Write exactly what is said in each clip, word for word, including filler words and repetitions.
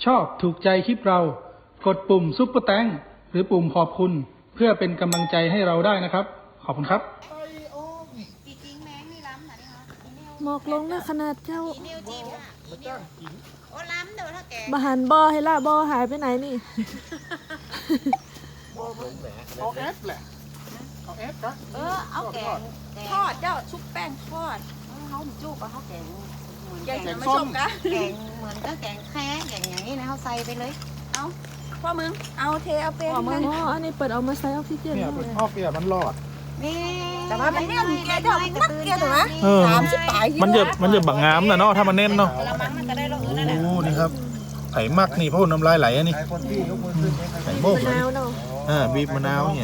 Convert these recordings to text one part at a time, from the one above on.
ชอบถูกใจคลิปเรากดปุ่มซุปเปอร์แตงหรือปุ่มขอบคุณเพื่อเป็นกำลังใจให้เราได้นะครับขอบคุณครับหมอกลงนะขนาดเจ้าโอ้ล้ำเดี๋ยวถ้าแกบาหันบอให้ละบอหายไปไหนนี่เอาแอปแหละเอาแอปครับเออเอาแกงทอดเจ้าชุบแป้งทอดเขาจุกเอาเขาแกงแกงไม่ชมกะแกงเหมือนก็แกงแค่แกงอย่างนี้นะเขาใส่ไปเลยเอาพ่อมึงเอาเทเอาเป็นอ๋ออันนี้เปิดเอามาใส่ออกซิเจนเนี่ยเลเป็นยพ่อเปียมันรอดนี่แต่ว่ามันเนี่ยแกเจ้านักแกถูกไหมเออสามสิบปลายมันจะมันจะบังงามนะเนาะถ้ามันเน้นเนาะละมั้งมันก็ได้รสอื่นนั่นแหละโอ้นี่ครับไผ่มักนี่เพราะน้ำลายไหลอันนี้ไข่โม่กมะนาวเนาะอ่าบีบมะนาวเนี่ย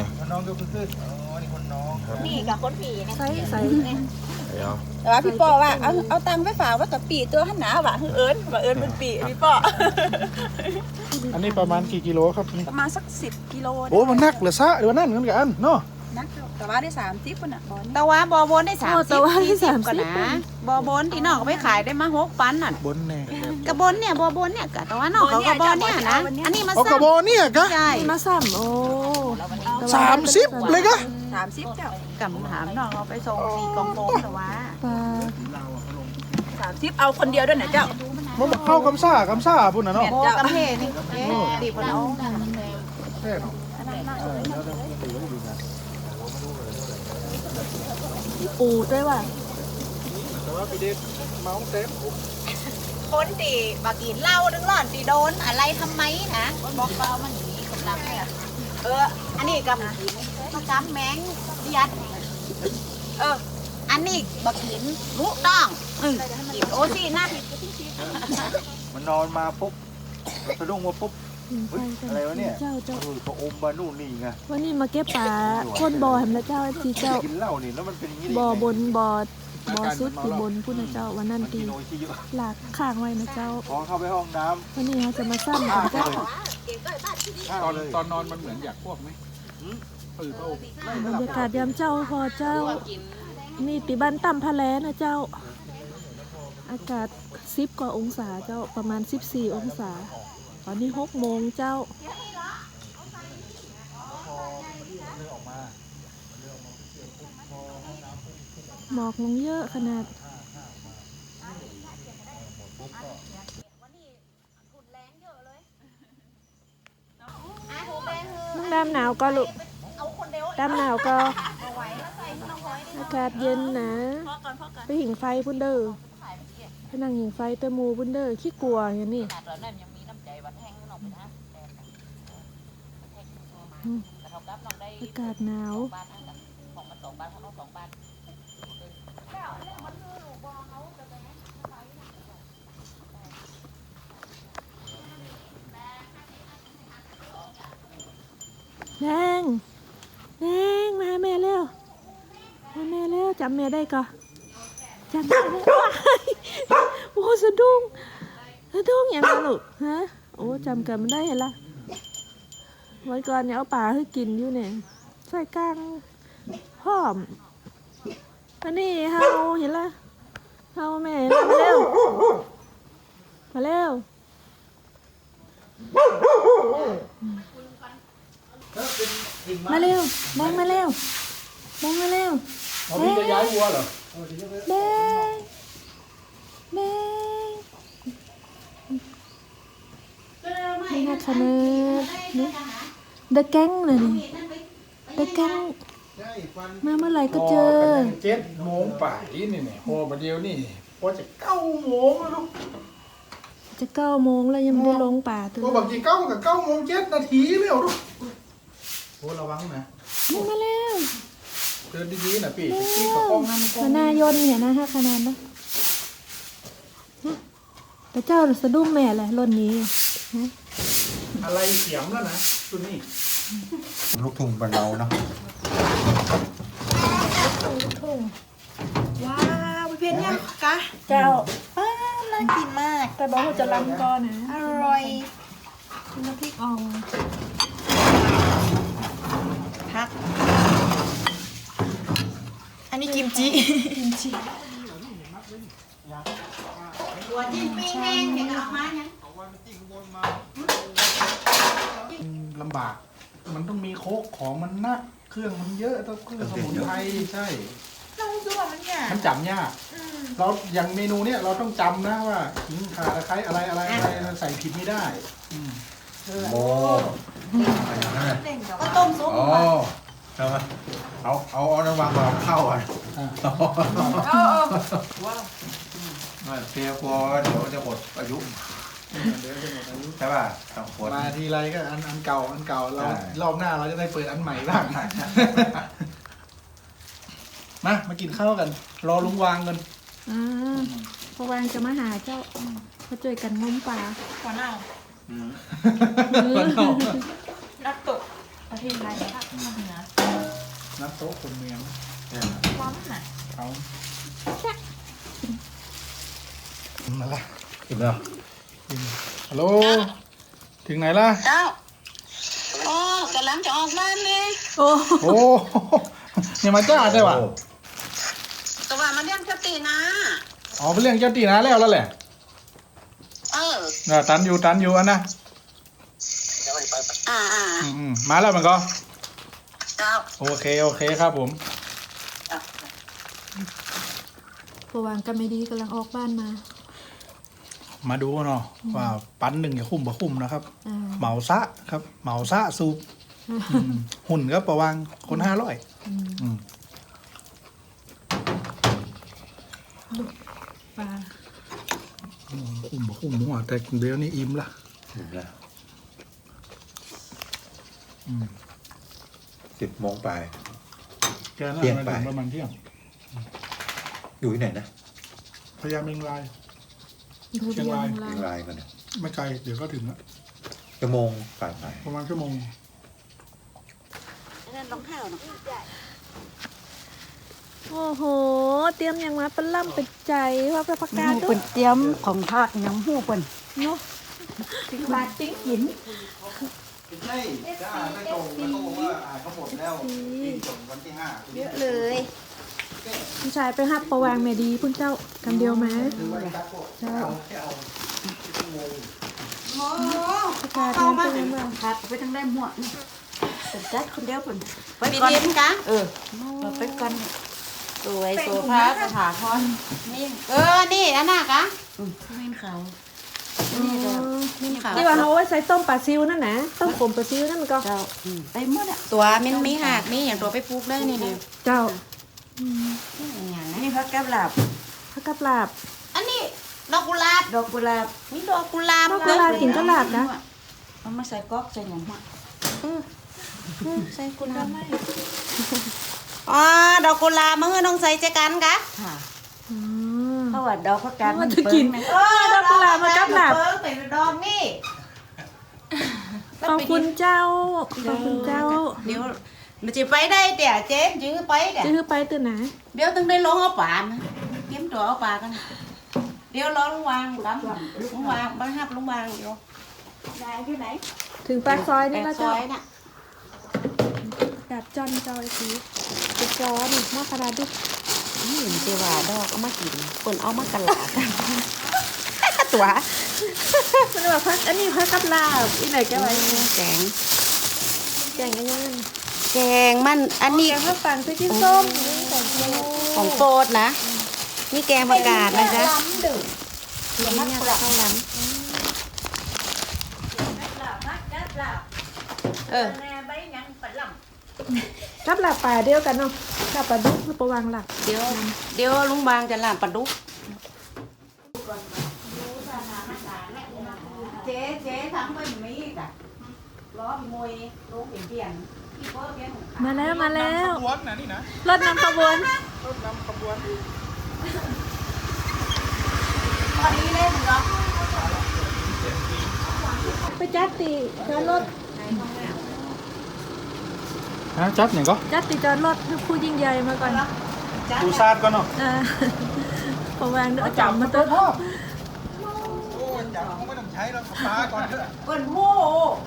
นี่กับคนผีเนี่ยใส่ใส่เดี๋ยวแต่ว่าพี่ป้อว่าเอาเอาตังค์ไปฝากว่ากับปีตัวหันหนาว่ะเอิญว่าเอิญเป็นปีพี่ป้ออันนี้ประมาณกี่กิโลครับนี่ประมาณสักสิบกิโลโอ้มันนักเหรือซะหรือว่านั่นเหมือนกันเนาะนักแต่ว่าได้สามทิปน่ะบอลแต่ว่าบอบนได้สามสิบสี่สิบก่อนนะบอบนที่นอกไปขายได้มาหกปันน่ะบนแน่กระบนเนี่ยบอบนเนี่ยกะแต่ว่านอกเขากระบนเนี่ยนะอันนี้มาเอากระบอกเนี่ยกะใช่มาซ้ำโอ้สามสิบเลยกะสามสิบเจ้ากำถามนอกเอาไปส่งสี่กองโฟมแต่ว่าปลาสามสิบเอาคนเดียวด้วยนะเจ้ามันบอกเข้ากำซ่ากำซ่าพุ่นนะเนาะโอ้กำเพนี่เอ๊ะดีพอเอาแค่เนาะปูด้วยว่ะแต่ว่าพี่เด็กเมาเต็มคนตีบากินเหล้าดึงหล่อนตีโดนอะไรทำไมนะบอกเรามันอย่างนี้กำลังเนี่ยเอออันนี้กำมากำแมงยัดเอออันนี้บากินรู้ต้องอืมกินโอซี่นะมันนอนมาปุ๊บสะดุ้งมาปุ๊บไปกันอะไรวะเนี่ยเจ้าเจ้าเออก็อมมานู่นนี่ไงวันนี้มาเก็บปลาคนบ่อแหมละเจ้าทีเจ้ากินเหล้านี่แล้วมันเป็นอย่างนี้ได้บ่อยังไงบนบ่อบ่อสุดคือบนพุ่นนะเจ้าวันนั้นมันตีกินโอชิเยอะหลากข้างไว้นะเจ้าพอเข้าไปห้องน้วันนี้เขาจะมาซ้ำกันเจ้าำตอนเลยตอนนอนมันเหมือนอยากพวกไหมเออเขาบรรยากาศยามเจ้าพอเจ้านี่ติบันต่ำพะแลนะเจ้า อากาศสิบกว่าองศาเจ้าประมาณสิบสี่องศา ตอนนี้หกโมงเจ้าหมอกลงเยอะขนาดน้องดำหนาวก็ลูกดำหนาวก็อากาศเย็นนะไปหิงไฟพุ่นเด้อไปนั่งหิงไฟเตะมูพุ่นเด้อขี้กลัวอย่างนี้อืมอากาศหนาวแดงแดงมาหาแม่เร็วมาแม่เร็วจำแม่ได้ก่อนจำแม่ได้ว้ายโอ้สะดุ้งสะดุ้งอย่างนั้นลูกฮะโอ้จำกันไม่ได้เห็นละวันก่อนเนี่ยเอาปลาให้กินอยู่เนี่ยใส่กลางหอมอันนี้เฮาเห็นละเฮาแม่มาเร็วมาเร็วมาเร็วแดงมาเร็วแดงมาเร็วเขาพี่จะย้ายวัวเหรอแดงแดงนี่นะคะเนนี่เดอะแก๊งเลยนี่เดอะแก๊งมาเมื่อไหร่ก็เจอเจ็ดโมงป่ายนี่เนี่ยพอประเดี๋ยวนี่พอจะเก้าโมงแล้วลูกจะเก้าโมงแล้วยังไม่ได้ลงป่าตัวก็บางทีเก้ากับเก้าโมงเจ็ดนาทีแล้วลูกโอ้ระวังนะนี่มาแล้วเดินดีๆนะพี่พี่กับกล้องนั่นกล้องขนายนเนี่ยนะฮะขนาดนะแต่เจ้าสะดุ้งแม่แหละรถนี้ฮะอะไรเสียมแล้วนะตัวนี้ลูกทุ่งบ้านเราเนาะว้าวพี่เพนเนี่ยกะเจ้าป้าน่ากินมากแต่บอกว่าจะลำก่อนนะอร่อยน้ำพริกอ่องพักอันนี้กิมจิกิมจิหัวจิ้มปิ้งแห้งเห็นออกมาเนี่ยำบาก มันต้องมีโคกของมันนักเครื่องมันเยอะต้องเครื่องสมุนไพรใช่เราดูว่ามันเนี่ยมันจำยากเราอย่างเมนูเนี้ยเราต้องจำนะว่าขิงข่าตะไคร้อะไรอะไรอะไรใส่ผิดไม่ได้อืมโอ้ก็ต้มซุปโอ้ทำไมเอาเอาเอาน้ำวางมาเข้าอ่ะอ่ะไม่เพียกลัวเดี๋ยวจะหมดอายุเดี๋ยวจะหมดอายุใช่ป่ะสองคนมาทีไรก็อันอันเก่าอันเก่าเราใช่รอบหน้าเราจะได้เปิดอันใหม่บ้าง มามากินข้าวกัน รอลุงวางกันอ่าพอวางจะมาหาเจ้ามาช่วยกันงมปลาหัวหน้าอืมวันนอกนักตกประเทศไทยภาคเหนือนับโต๊ะคนเมืองร้อนน่ะเขามาละอิ่มแล้วฮัลโหลถึงไหนล่ะเจ้าโอ้กำลังจะออกบ้านเลยโอ้โอ้ยังมาจ้าได้ว่ะโอ้ก็ว่ามาเลี้ยงเจ้าตีนะอ๋อเป็นเรื่องเจ้าตีนะแล้วแล้วแหละเออน่ะตันอยู่ตันอยู่อันนะอ่าอ่าอืมอืมมาแล้วมันก็เจ้าโอเคโอเคครับผมพอวางกันไม่ดีกำลังออกบ้านมามาดูเนาะว่าปั้นหนึ่งจะคุ้มบ่คุ้มนะครับอ่าเหมาซะครับ เหมาซะสูบอืมหุ่นก็ประวังคนห้าร้อยอืมอืมปลาคุ้มบ่คุ้มหัวแต่เดี๋ยวนี้อิ่มละอิ่มแล้วอืมสิบโมงไปแกน่าเที่ยงมาไปถึงประมาณเที่ยงอยู่ที่ไหนนะพยายามเมงลายเพื่อเชียงรายเลี้เชียยงงรายรายกันเนี่ยไม่ไกลเดี๋ยวก็ถึงละชั่วโมงผ่านไปประมาณชั่วโมงนั่นรองเท้าเนาะโอ้โห เตรียมอย่างมาเป็นล่ำเป็นใจว่าไปประกาศด้วเป็ยนเตรียมของภาคยังหู้เป็นเนาะถึงบาทติ้งหินใช่จ้าไม่ตรงแล้วเขาบอกว่าอ่าเขาหมดแล้วที่ส่งวันที่ห้าเยอะเลยผู้ชายไปหับประวางเมดีพุ่นเจ้ากันเดียวไหมคือว่าจักพวกเจ้าเอาแค่เอาชั่วโมงโอ้ประกาศเข้ามาเตือนว่าพัดไปทางได้หมวกนี่เป็นจัดคนเดียวเป็นไปก่อนกะเออเราไปก่อนสวยโซฟาสถาพรนี่เออนี่อันน่ะกะไม่เขานี่ก็นี่เขาที่ว่าเขาไว้ใส่ต้มปลาซิวนั่นนะต้มขมปลาซิวนั่นมันก็เจ้าไอ้หมดอะตัวมันมีหักมีอย่างตัวไปปลูกได้นี่เดียวเจ้าอย่างนี้พักกับหลับผักกะลาบอันนี้ดอกกุหลาบดอกกุหลาบมีดอกกุหลาบดอกกุหลาบกินก็หลาบนะเอามาใส่ก๊อกใส่หยังมาใส่กุหลาบอ๋อดอกกุหลาบมือน้องใส่เจกันกะค่ะอืมเพราะว่าดอกพักกันมันจะกินเออดอกกุหลาบมากับหลาบเปิ้งเป็นดอกนี่ขอบคุณเจ้าขอบคุณเจ้าเดี๋ยวมันจะไปได้เดี๋ยวเจ๊ยื้อไปเดี๋ยวจะคือไปตื่นไหนเดี๋ยวต้องได้ลงเอาป่านะเตรียมตัวเอาป่ากัน เดี๋ยวรอลุงวางดำลุงวางบ้านฮับลุงวางเดี๋ยวได้ที่ไหนถึงปากซอยนี่แปแล้วดซเจ้าอยน่ะดับจอนเจ้าไอ้ทีจะร้อนหม้อกระดาษดินี่เห็นเจว่าดอกเอามากินคนเอามากระหลากันตัวมันแบบพักอันนี้พักกับลาบอีไหนแกไว้แกงแกงกันยังแกงมันอันนี้แกงข้าวฝังไปกินส้มนี่ของเจ้าของโปรดนะนี่แกงประกาศนะจ๊ะเลี้ยงเนี่ยข้าวหลามเออกับหลับป่าเดียวกันเนาะกับปลาดุกหรือปลาวางหลักเดี๋ยวเดี๋ยวลุงบางจะลามปลาดุกเจ๊เจ๊ทำไปมีจ้ะล้อมวยลูกเปลี่ยนเปลี่ยนที่เพิ่มเปลี่ยนมาแล้วมาแล้วขบวนนะนี่นะรถนำขบวนรถนำขบวนตอนนี้เล่นเหรอไปจัดตีจอดรถฮะจัดอย่างก็จัดตีจอดรถให้ผู้ยิ่งใหญ่มาก่อนดูซาดก่อนเนาะอ่าปลาวางเอาจับมาตัวพ่อโอ้ยจับคงไม่ต้องใช้แล้วปลาก่อนเถอะเปิดโม่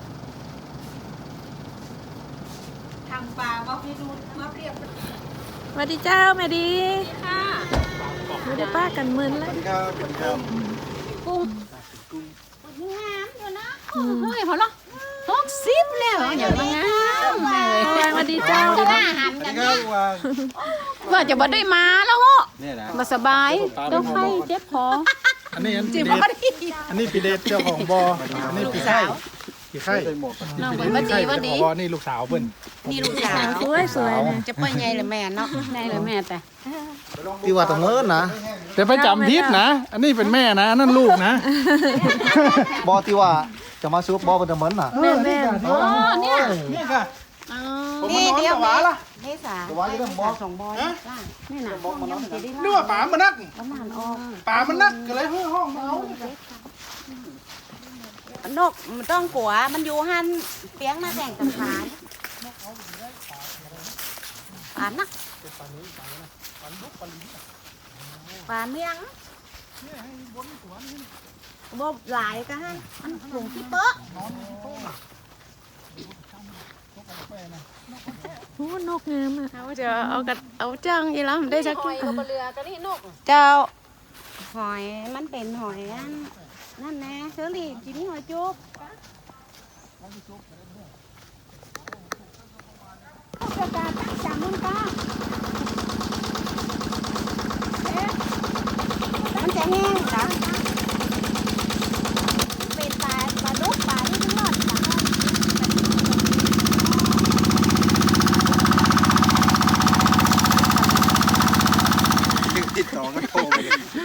ทางปลาว่าพี่ดูมาเรียบสวัสดีเจ้าแม่ดีค่ะไม่ได้ป้ากันมึนแล้วครับสวัสดีครับกุ้งงามอยู่นะเฮ้ยพอละเหกสิบแล้วอย่างมางามเลยสวัสดีเจ้าหน้าหันอันกันนี้ก็เนี่ยวางว่าจะบ่ได้มาแล้วเหรอเนี่ยนะมาสบายต้องไข้เจ็บคออันนี้อันจริปีงเดบ่ชดีอันนี้ปีเดชเจ้าของบออันนี้ลูกปีสาไข่วปีไข่ใส่หมวกน้องปีเป็นเดบ่ชดีไข่ว่าเจ้าขดีองบอนี่ลูกสาวเพิ่นนี่ลูกสาวสวยสวยๆเนี่ยจะไปไงเลยแม่เนาะไงเลยแม่แต่ที่ว่าตะเมินนะแต่ไปจำพิษนะ อันนี้เป็นแม่นะอันนั่นลูกนะบอที่ว่าจะมาซื้อบอเป็นตะเมินน่ะแม่แม่อ๋อเนี่ยนี่ค่ะอ๋อผมนี่มานอนเดี๋ยวกับหวาล่ะเมษาแต่ว่าอยู่เรื่องบอสองบอลล่างนี่น่ะบอกมันจะได้นึกว่าป๋ามันนักประมาณออกป๋ามันนักก็เลยเฮ้ยห้องมาเอานกมันต้องกลัวมันอยู่หันเปียงมาแต่งกันขานป่านักป่าเมียงบ่หลายก็ให้มันหลงที่เป๊ะโอ้นกงามอ่ะเอาจะเอากระเอาจังอีแล้วได้สักหอยกับเรือก็นี่นกเจ้าหอยมันเป็นหอยอันนั่นแน่เชอรี่กินหอยจุ๊บกระดาษตั้งจำมันก็มันจะแห้งจ้ะเป็นปลาปลาดุกปลาที่ทั้งหมดจ้ะติดต่อกันโทรไปเลย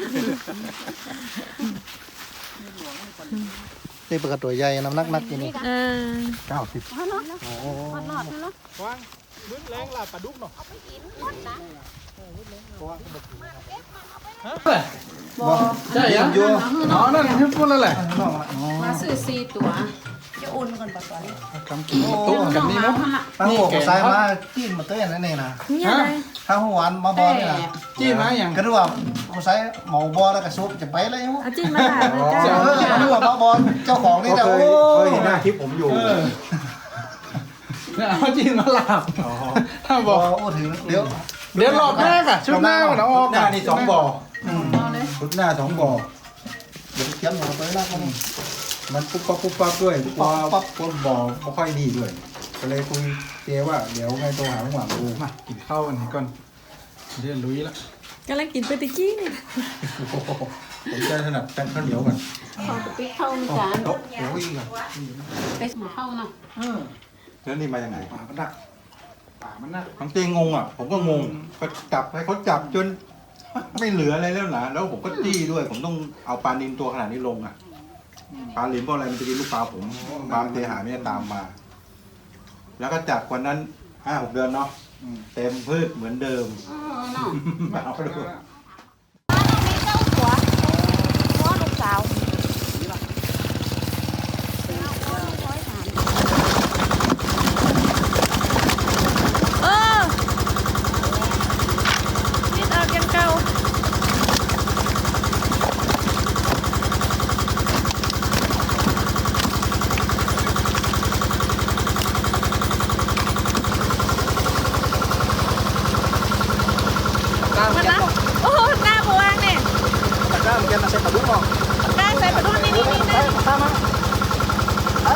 นี่เป็นกระตัวใหญ่น้ำหนักนักอยู่นี่เออเก้าสิบฮะเนาะฮอดนอดเนาะวางบึ้งแรงลาปลาดุกเนาะบ่ใช่ยังอยู่อ๋อนั่นคือพูดแล้วแหละมาซื้อสี่ตัวจะอุ่นก่อนบ่ก่อนกำกินตุ๊กกันนี่เนาะถ้าหัวใส่มาจิ้มมาเต้นนั่นเองนะเนี่ยเลยถ้าหัวหวานมาบอนี่นะจี้มาอย่างก็รู้ว่าหัวใส่หมูบอแล้วก็ซุปจะไปเลยมั้งเอาจิ้มมาถ่ายเลยเอเจ้าอรู้ว่ามาบอเจ้าของนี่แต่โอ้เคยยเห็นหน้าคลิปผมอยู่เนี่ยเอาจี้มาหลับถ้าบบ ออกโอ้ถึงเดี๋ยวเดี๋ยวรอบแรกอะชุดหน้ามันเอาออกหน้านี่สองบ่ออืมชุดหน้าสองบ่อเดี๋ยวเขียนหมูไปแล้วก็นี่มันปุ๊บปั๊บปุ๊บปั๊บด้วยพอปั๊บปุ๊บบ่อไม่ค่อยดีด้วย ก็เลยคุยเจว่าเดี๋ยวไงโทรหาลุงหวังดูมากินข้าวกันก่อนเดี๋ยวลุยละกำลังกินไปตะกี้นี่ผมจะถนัดแป้งข้าวเหนียวก่อนเอาไปเข้ามีจานโต๊ะโอ้ยก่อนไปหมูเข้าเนาะเออแล้วนี่มาจากไหนป่ามันนักป่ามันนักทั้งเจงงอ่ะ ผมก็งงก็จับให้เขาจับจนไม่เหลืออะไรแล้วนะแล้วผมก็จี้ด้วย ผมต้องเอาปลานิลตัวขนาดนี้ลงอ่ะปลาหลิมปลาอะไรมันจะกินลูกปลาผมปลาเทหาไม่ได้ตามมา แล้วก็จับวันนั้นห้าหกเดือนเนาะเต็มพืชเหมือนเดิมเออเนาะเอาไปดูมีเจ้าหัวหัวลูกสาวเออนิดออกยังเก่ามันนะโอ้โหหน้าบวงเนี่ยตะกร้ามันจะมาใส่ปลาดุกเนาะได้ใส่ไปดูนี่นี่นี่นี่ตามมาไป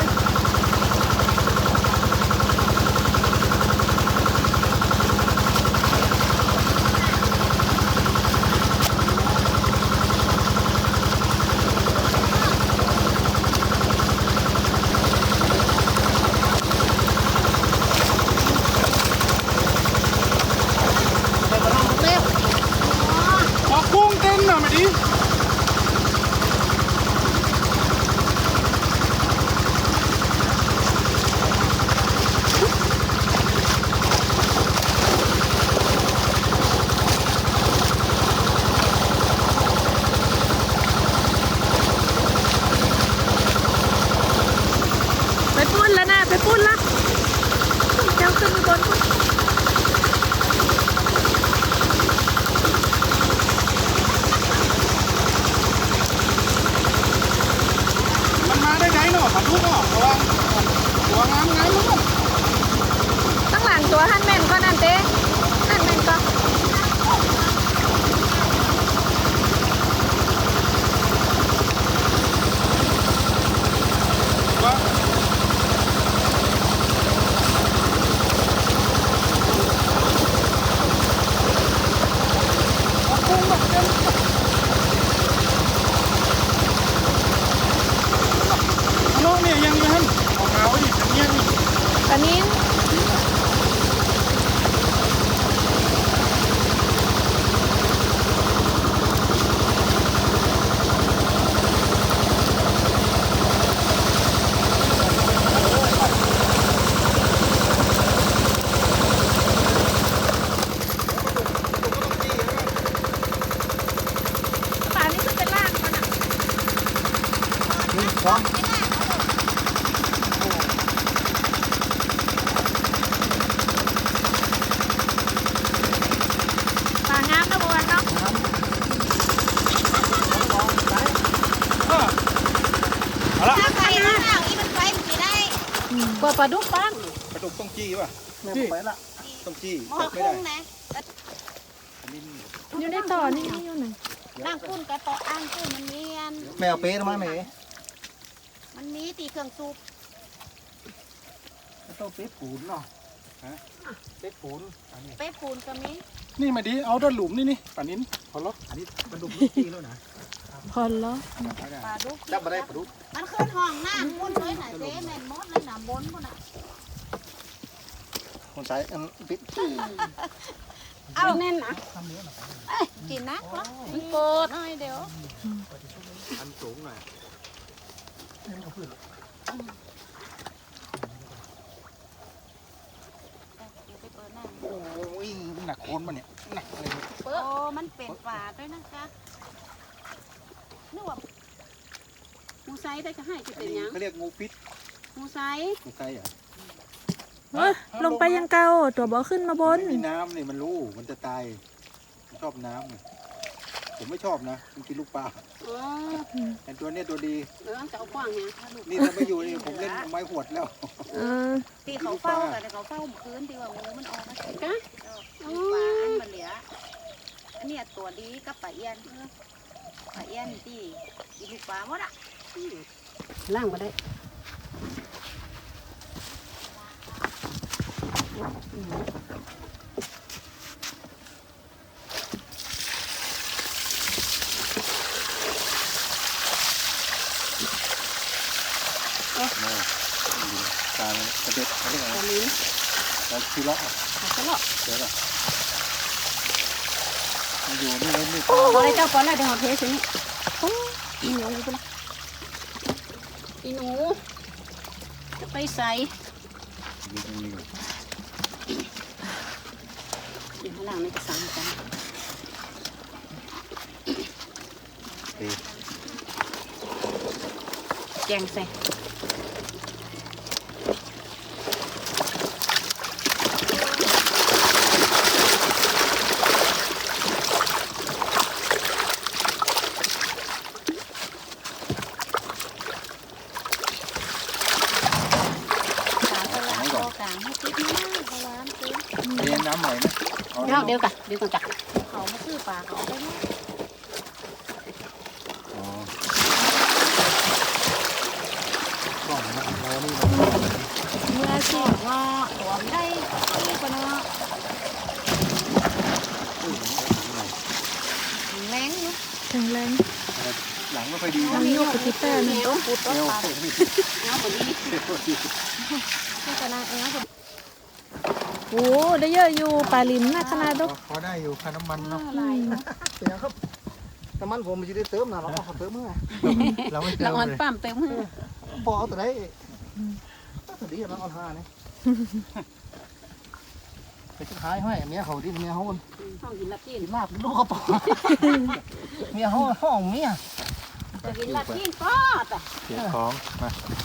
ออกกุ้งเต้นหน่อยมาดิเนาะปลางามนะบัวเนาะถ้าใครน้ำหนาวอีมันไปมันสิได้บัวปลาดุกปังกระดูกต้องจี้ป่ะจี้ไปละต้องจี้หม้อจับไม่คุ้ได้งนะอยู่ในต่อนี่อยู่ไหนนั่งคุ้นกระต่ออ้างคุ้นมันมีอันแมวเป๊ะมาแม่มันมีตีเครื่องซุปต้องเป๊ะปูนเนาะฮะเป๊ะปูนอันนี้เป๊ะปูนก็มีนี่มาดีเอาด้านหลุมนี่นี่ป่านินขอล็อกอันนี้กระดูกลูกจี้แล้วนะพอแล้วปลาดุกจับมาได้ปลาดุกมันขึ้นห้องน้ำพุ่นเลยน่ะเจ๊แม่นมดเลยน่ะบนพุ่นน่ะคนใช้อันปิดเอาแน่นนะเอ้ยกินนะมันโกดหน่อยเดี๋ยวอันสูงหน่อยเดี๋ยวไปเปิดหน้าโอ้ยหนักโคนมาเนี่ยหนักอะไรเนี่ยเปิดโอ้มันเป็นปลาด้วยนะคะนึกว่ามูไซได้ก็ให้จะอันเป็นนี้หยังเขาเรียกงูพิษมูไซงูไก่เหรอเฮ้ยลงไปยังเก่าตัวบ่ขึ้นมาบนไม่มีน้ำนี่มันรู้มันจะตายมันชอบน้ำไงผมไม่ชอบนะมันกินลูกปลาอ๋อแต่ตัวเนี้ยตัวดีเออจะเอากว้างเนี่ยถ้าลูกนี่ถ้าไม่อยู่นี่ผมเล่นไม้หวดแล้วเออตีเขาเฝ้ากันแต่เขาเฝ้าเมื่อคืนตีว่างูมันออกมาสิกะลูกปลาอันมันเหลืออันเนี้ยตัวดีกับปลาเอี้ยนเออปลาเอี้ยนตีอีลูกปลาหมดอ่ะล่างมาได้ตากระเด็ดเขาเรียกอะไรตัวนี้ตาชีเลาะเขาจะหลอกเจอป่ะมันอยู่นี่แล้วนี่โอ้อะไรเจ้าก่อนแล้วเดี๋ยวเอาเทสินี่โอ้อีหนูไปละอีหนูจะไปใส่อยู่ตรงนี้อยู่ข้างล่างนี่ก็สั่งกันเอ๊ะแกงใส่กลางให้ติดนะเพราะว่ามันคือเรียนน้ำใหม่ไหมเอาเดี๋ยวเดี๋ยวกันเดี๋ยวกันจ้ะเขามาซื้อปลาเขาไปเนาะอ๋อกล้องนะเรานี่เมื่อสิว่าตัวไม่ได้ที่ปะเนาะแรงเนาะแข็งแรงหลังไม่ค่อยดีนะน้ำยกไปที่แป้งเหนีนี่ยวปูต้นเอวปลาโคตรไม่ดีเอาแบบนี้เอวดีที่กระนาเอวแบบโอ้ได้เยอะอยู่ปลาลิมนะขนาดดกพอได้อยู่ค่าน้ำมันเนาะอะไรเนาะเสียครับน้ำมันผมมันจะได้เติมนะเราก็ขอเติมเมื่อเราไม่เติละมอ่อนเลยปั๊มเต็มมือบอกเอาแต่ได้แต่ดีมันอ่อนห้าเนี่ยไปสุดท้ายให้เมียเขาที่เมียเขาคนห้องกินลัดจีนกินลาบลูกกระป๋องเมียเขาห้องเมียจะกินลัดจีนก็แต่เสียของมา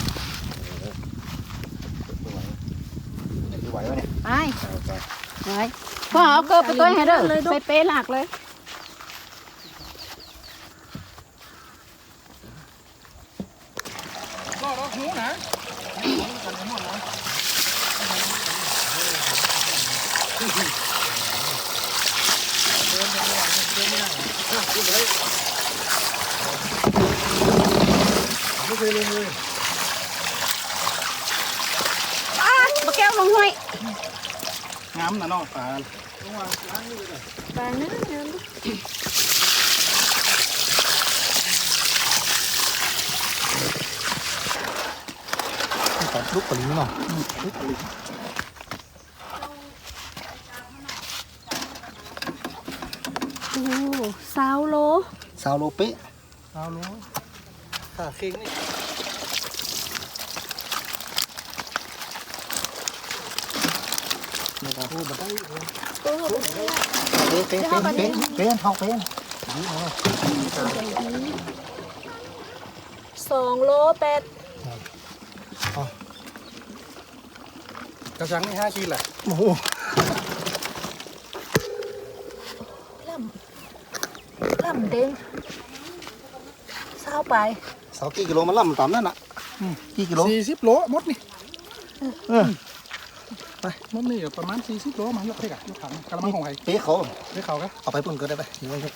ไม่ไหววะเนี่ยไปไปพ่อเอาเกิบไปตัวให้เด้อไปเป๊ะหลักเลยก็ล็อกหูนะไม่เคยเลยเลยอ้าวมาแก้วลงห้วยงามนะน้องปลาปลาเนื้อเนื้อแต่ลูกปลิ้งเนาะลูกปลิ้งโอ้สาวโลสาวโลเป๊ะเอาลูกขาเค้งนี่นี่ครับพูดมาได้เลยเป็นเป็นเป็นเป็นเป็นทองเป็นสองโลแปดกระชังนี่ห้าขีดแหละโอ้โหล่ำล่ำเด้งเศร้าไปเสากี่กิโลมันล่ำต่ำนั่นน่ะกี่กิโลสี่สิบโลมดนี่เออมดนี่ประมาณสี่สิบโลมายกให้กันยกถังกระมังของใครเป๊ะเขาได้เขากันเอาไปปุ่นก็ได้ไปนี่มัน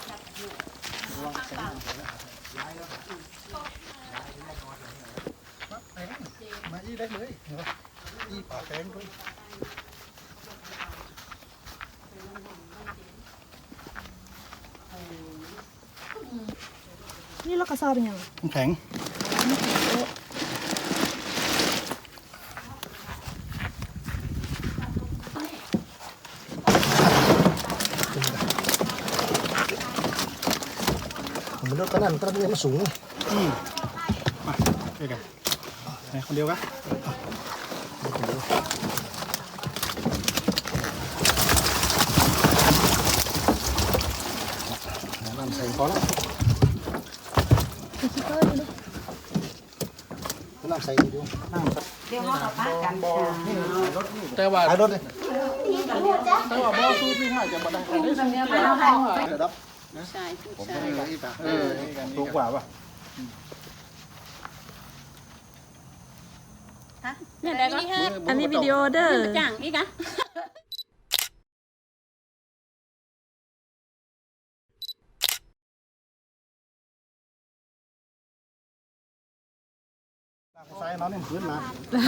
มาอีได้เลยอีป่าแตงด้วยนี่เรากระสอบเป็นยังแข็งผมเลือกกันนั่นก็ต้องมันสูงอืมมาเดี๋ยวกันไหนคนเดียวกันน้ำใส่พอแล้วน้ำใส่ดีดูเดี๋ยวเขาเอาป้ากันแต่ว่าขายรถเลยแต่ว่าบ่อสูบนี่ถ้าจะบ่ได้ได้สูบนี่เอาให้เดี๋ยวรับใช่ผู้ผมชาไม่ยได้อีกอ่ะเออสูงกว่าป่ะเนี่ยได้ก็อันนี้วิดีโอเด้อจ้างอีกอะใส่น้องนี่พื้นมา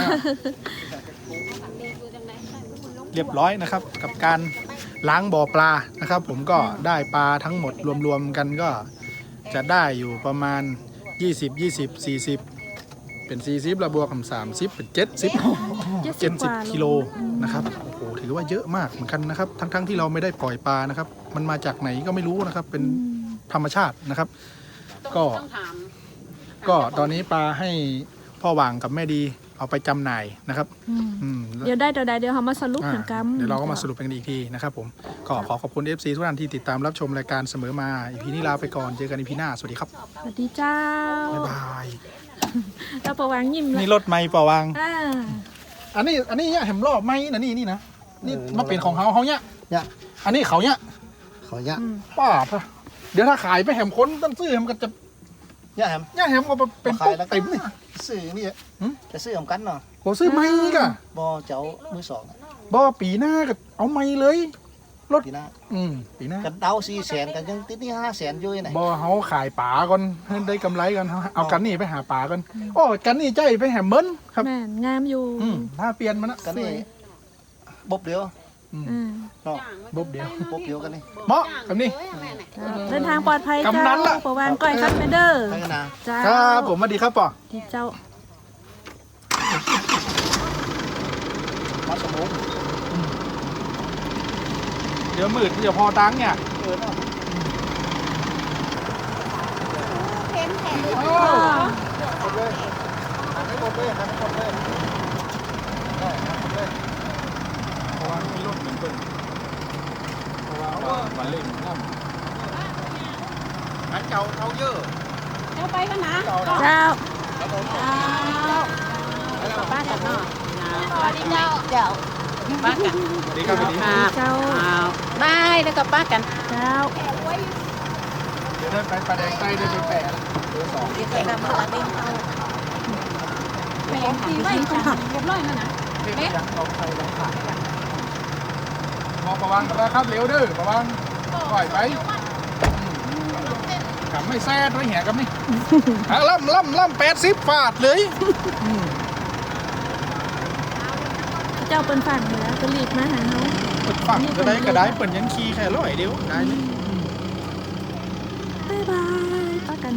เรียบร้อยนะครับกับการล้างบ่อปลานะครับ ผมก็ได้ปลาทั้งหมดรวมๆกันก็จะได้อยู่ประมาณยี่สิบ ยี่สิบ สี่สิบเป็นสี่สิบแล้วบวกกับสามสิบเป็นเจ็ดสิบ เจ็ดสิบกิโลนะครับโอ้โหถือว่าเยอะมากเหมือนกันนะครับทั้งๆที่เราไม่ได้ปล่อยปลานะครับมันมาจากไหนก็ไม่รู้นะครับเป็นธรรมชาตินะครับ ก็ต้องถามก็ตอนนี้ปลาให้พ่อหว่างกับแม่ดีเอาไปจำหน่ายนะครับอืมอืมเดี๋ยวได้ตัวใดเดี๋ยวเขามาสรุปอ่าเหมือนกันเดี๋ยวเราก็มาสรุปกันอีกทีนะครับผมก็ขอขอบคุณ เอฟ ซี ทุกท่านที่ติดตามรับชมรายการเสมอมาอีพีนี้ลาไปก่อนเจอกันอีพีหน้าสวัสดีครับสวัสดีเจ้าบ๊ายบายเราประวังยิ้มนี่รถไม่ป่าวางอ่าอันนี้อันนี้เนี่ยเห็นรอบไม่นะนี่นี่นะนี่มาเป็นของเขาเขาเนี่ยเนี่ยอันนี้เขาเนี่ยขอเนี้ยอืมป้าพะเดี๋ยวถ้าขายไปแหมคนต้นซื้อแหมก็จะเนี่ยแฮมเนี่ยแหมก็เป็นขาปุ๊ยกแล้วก็เต็มนี่ซื้อนี่หืมจะซื้อของกันเนาะโหซื้อไม่กะบอเจ้ามือสองบ่ปีหน้าก็เอาไม่เลยปีหน้าอืมปีหน้ากันเดาสี่แสนกันยังติดนี่ห้าแสนอยู่ไหนบ่เขาขายป่าก่อนให้ได้กำไรก่อนเอากันนี่ไปหาป่าก่อนโอ้กันนี่ใจไปแหมเบิ้นครับแม่นงามอยู่อืมถ้าเปลี่ยนมันนะกันนี่บบเดียวอืมอืมเนาะบ๊บเดียวบบเดียวกันนี่เหมาะแบบนี้เดินทางปลอดภัยกำนัเจ้านล่ะประวังก้อยครับแม่เด้อไปกันนะเจ้าครับผมสวัสดีครับป่อที่เจ้ามาสมองเดี๋ยวมืดเดี๋ยวพอตังค์เนี่ยเออเนาะเพ้นแทนโอ้หมดเลยให้หมดเลยให้หมดเลยได้ให้หมดเลยเพราะว่ามีรถเหมือนเปิ้ลเพราะว่าว่าวันเล่นน้งั้นเจ้าเอาเยอะเจ้าไปกันนะเจ้าเจ้าป้ากันเนาะสวัสดีเจ้าเจ้าป้ากันำสวัสดีครับสวัสดีครับเจ้าบายแล้วก็ป้ากันเจ้าเดี๋ยวได้ไปปลาแดงใต้ได้ไปแปะแล้วดีใจกับมาเล่นเขาแม่ตีไว้จังเรียบร้อยแล้วนะเด็กยังเอาใครลองขายกันมองประวังนะครับเร็วเด้อประวังปล่อยไปกลับไม่แซ่ดไม่เหี้ยกับนี่อ่ะล่ำล่ำล่ำแปดสิบฟาดเลยอืมเจ้าเป็นฝั่งเหนือเป็นหลีกมาหาเขาเปิดฝั่งก็ได้ก็ได้เปิดยันคีแค่ร้อยเดียวได้เลยบ๊ายบายป้ากัน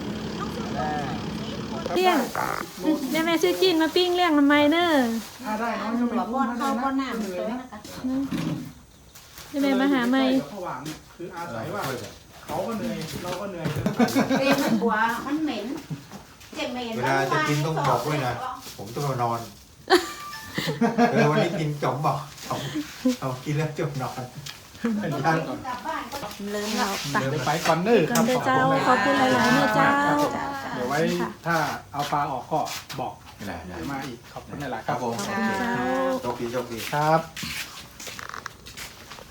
เลี้ยงแม่แม่ชื่อจีนมาปิ้งเลี้ยงทำไมเนอะถ้าได้น้อยก็หัวบอลเข้าบอลหน้ามันเลยนะคะแม่แม่มาหาไม่ระหว่างคืออาศัยว่าเขาก็เหนื่อยเราก็เหนื่อยเรียนมันกลัวมันเหม็นเจ็บเหม็นเวลาจะกินต้องบอกด้วยนะ ผมต้องมานอนเออวันนี้กินจอมบอกจอมเอากินแล้วจมนอนเป็นย่างก่อนลืมแล้วตักเดี๋ยวไปก่อนเนอร์ก่คอรันบเด้อเจ้าขอบคุณหลายๆเนอเจ้าเดี๋ยวไว้ถ้าเอาปลาออกก็บอกไม่ได้ไม่ได้มาอีกขอบคุณหลายๆคครัรับบ ผมขอบคุณเจ้าโชคดีโชคดีครับ